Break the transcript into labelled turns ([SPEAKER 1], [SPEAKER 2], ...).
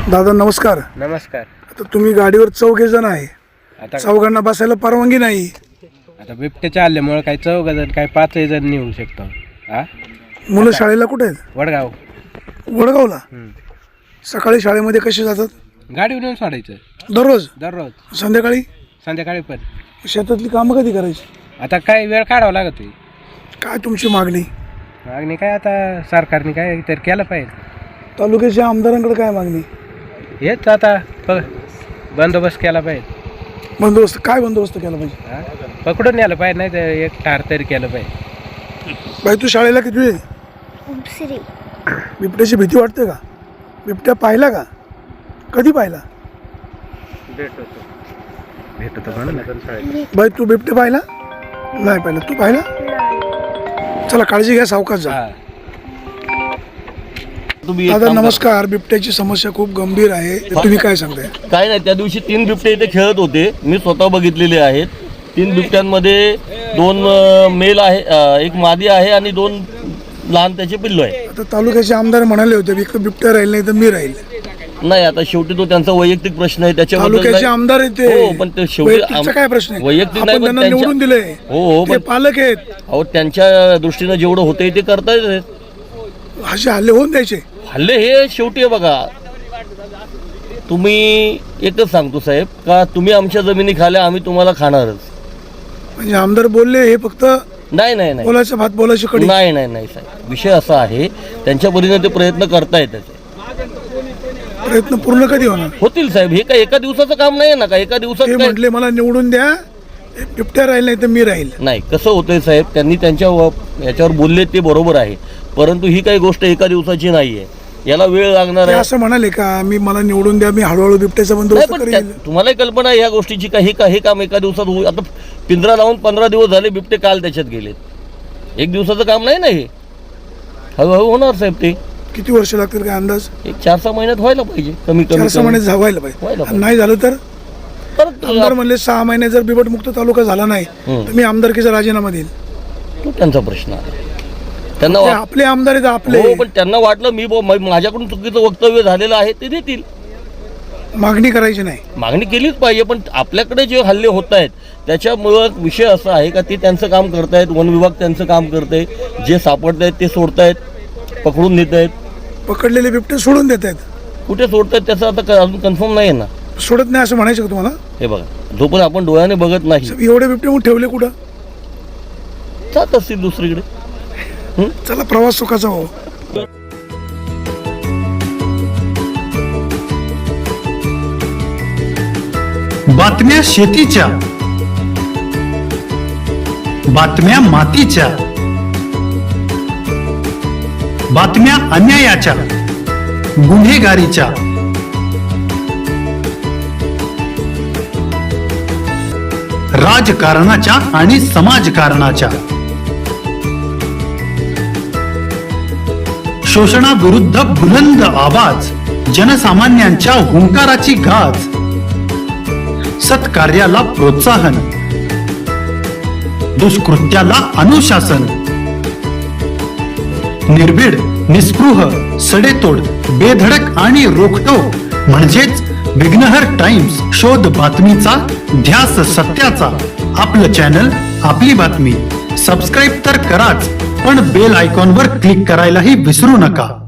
[SPEAKER 1] दादा नमस्कार.
[SPEAKER 2] नमस्कार.
[SPEAKER 1] आता तुम्ही गाडीवर 4 जण आहे.
[SPEAKER 2] आता
[SPEAKER 1] चौघांना बसायला परवानगी नाही.
[SPEAKER 2] आता बिबट्याच्या हल्ल्यामुळे काही 4 जण काही 5 जण निघू शकतो. हा
[SPEAKER 1] मुलं शाळेला कुठे आहेत?
[SPEAKER 2] वडगाव.
[SPEAKER 1] वडगावला. सकाळी शाळेमध्ये कसे जातात?
[SPEAKER 2] गाडीवर येऊन सोडायचं
[SPEAKER 1] दररोज. संध्याकाळी
[SPEAKER 2] संध्याकाळी पण.
[SPEAKER 1] शेतातली कामं कधी करायची?
[SPEAKER 2] आता काय वेळ काढावा लागत.
[SPEAKER 1] काय तुमची मागणी?
[SPEAKER 2] मागणी काय आता सरकारने काय तर केलं पाहिजे.
[SPEAKER 1] तालुक्याच्या आमदारांकडे काय मागणी?
[SPEAKER 2] हेच आता बंदोबस्त केला पाहिजे.
[SPEAKER 1] बंदोबस्त काय बंदोबस्त केला पाहिजे?
[SPEAKER 2] हा पकडून न्यायला पाहिजे, नाही तर एक ठार तरी केलं पाहिजे.
[SPEAKER 1] बाई तू शाळेला किती आहे? बिबट्याची भीती वाटते का? बिबट्या पाहिला का? कधी पाहिला?
[SPEAKER 2] भेट होतो म्हणून
[SPEAKER 1] बाई तू बिबट्या पाहिला? नाही पाहिला. तू पाहिला? चला काळजी घ्या, सावकाश जा. दादा नमस्कार. बिबट्याची समस्या खूप गंभीर आहे, तुम्ही काय सांगताय?
[SPEAKER 3] काय नाही, त्या दिवशी 3 बिबटे इथे खेळत होते, मी स्वतः बघितलेले आहेत. 3 बिबट्यांमध्ये 2 मेल आहे, 1 मादी आहे आणि 2 लहान त्याचे पिल्लू आहे.
[SPEAKER 1] आता तालुक्याचे आमदार म्हणाले होते बिबट्या राहील नाही तर मी राहील.
[SPEAKER 3] नाही, आता शेवटी तो त्यांचा वैयक्तिक प्रश्न आहे, त्याच्याबद्दल
[SPEAKER 1] तालुक्याचे आमदार आहेत ते.
[SPEAKER 3] हो, पण ते शेवटी
[SPEAKER 1] काय प्रश्न आहे?
[SPEAKER 3] वैयक्तिक
[SPEAKER 1] आपण त्यांना निवडून दिले.
[SPEAKER 3] हो,
[SPEAKER 1] ते पालक आहेत.
[SPEAKER 3] अहो त्यांच्या दृष्टीने जेवढं होतंय ते करतायत.
[SPEAKER 1] असे हल्ले होऊन द्यायचे?
[SPEAKER 3] हल्ले हे शेवटी आहे बघा, तुम्ही एकच सांगतो साहेब का तुम्ही आमच्या जमिनी खाल्या, आम्ही तुम्हाला खाणारच.
[SPEAKER 1] म्हणजे आमदार बोलले हे फक्त
[SPEAKER 3] नाही नाही नाही
[SPEAKER 1] बोलायचं भात बोलायची कडी?
[SPEAKER 3] नाही नाही नाही साहेब, विषय असा आहे, त्यांच्या परीने ते प्रयत्न करतायत. त्याचे
[SPEAKER 1] प्रयत्न पूर्ण कधी होणार?
[SPEAKER 3] होतील साहेब, हे काय एका दिवसाचं काम नाही ना, का एका दिवसात
[SPEAKER 1] ते म्हटले मला निवडून द्या, बिबट्या राहील नाही तर मी राहील.
[SPEAKER 3] नाही, कसं होतंय साहेब, त्यांनी त्यांच्या याच्यावर बोलले ते बरोबर आहे, परंतु ही काही गोष्ट एका दिवसाची नाही आहे, याला वेळ लागणार आहे.
[SPEAKER 1] असं म्हणाले का मी मला निवडून द्या, मी हळूहळू बिबट्याचा बंदोबस्त करेल?
[SPEAKER 3] तुम्हालाही कल्पना आहे या गोष्टीची, काही काम एका दिवसात होईल. आता पिंजरा लावून 15 दिवस झाले, बिबटे काल त्याच्यात गेलेत. एक दिवसाचं काम नाही ना हे, हळूहळू होणार साहेब. ते
[SPEAKER 1] किती वर्ष लागतील काय अंदाज?
[SPEAKER 3] एक 4-6 महिन्यात व्हायला पाहिजे, कमी
[SPEAKER 1] 4-6 महिन्यात व्हायला पाहिजे. नाही झालं तर आमदार म्हणले 6 महिने जर बिबट मुक्त तालुका झाला नाही तर मी आमदारकीचा राजीनामा देईल.
[SPEAKER 3] तो त्यांचा प्रश्न आहे. त्यांना
[SPEAKER 1] आपले आमदार आहेत आपले.
[SPEAKER 3] हो, पण त्यांना वाटलं मी माझ्याकडून चुकीचं वक्तव्य झालेलं आहे, ते देतील.
[SPEAKER 1] मागणी करायची नाही?
[SPEAKER 3] मागणी केलीच पाहिजे, पण आपल्याकडे जे हल्ले होत आहेत त्याच्यामुळं विषय असा आहे का ते त्यांचं काम करतायत, वन विभाग त्यांचं काम करतंय, जे सापडत आहेत ते सोडतायत, पकडून नेत आहेत.
[SPEAKER 1] पकडलेले बिबटे सोडून देत आहेत.
[SPEAKER 3] कुठे सोडतायत त्याचं आता अजून कन्फर्म नाही आहे ना.
[SPEAKER 1] सोडत नाही असं म्हणायचं का तुम्हाला?
[SPEAKER 3] हे बघा, जोपर्यंत आपण डोळ्याने बघत नाही.
[SPEAKER 1] एवढे बिबटे मग ठेवले कुठं?
[SPEAKER 3] जात असतील दुसरीकडे.
[SPEAKER 1] चला प्रवास सुखाचा हो.
[SPEAKER 4] बातम्या शेतीच्या, बातम्या मातीच्या, बातम्या अन्यायाच्या, गुन्हेगारीच्या, राजकारणाच्या आणि समाजकारणाच्या, शोषणाविरुद्ध बुलंद आवाज, जनसामान्यांच्या हुंकाराची गाज, सत्कार्याला प्रोत्साहन, दुष्कृत्याला अनुशासन, निर्भीड, निस्पृह, सडेतोड, बेधडक आणि रोखटोक म्हणजेच विघ्नहर टाइम्स. शोध बातमीचा, ध्यास सत्याचा. आपलं चॅनल, आपली बातमी. सबस्क्राईब तर कराच, पण बेल आयकॉनवर क्लिक करायलाही विसरू नका.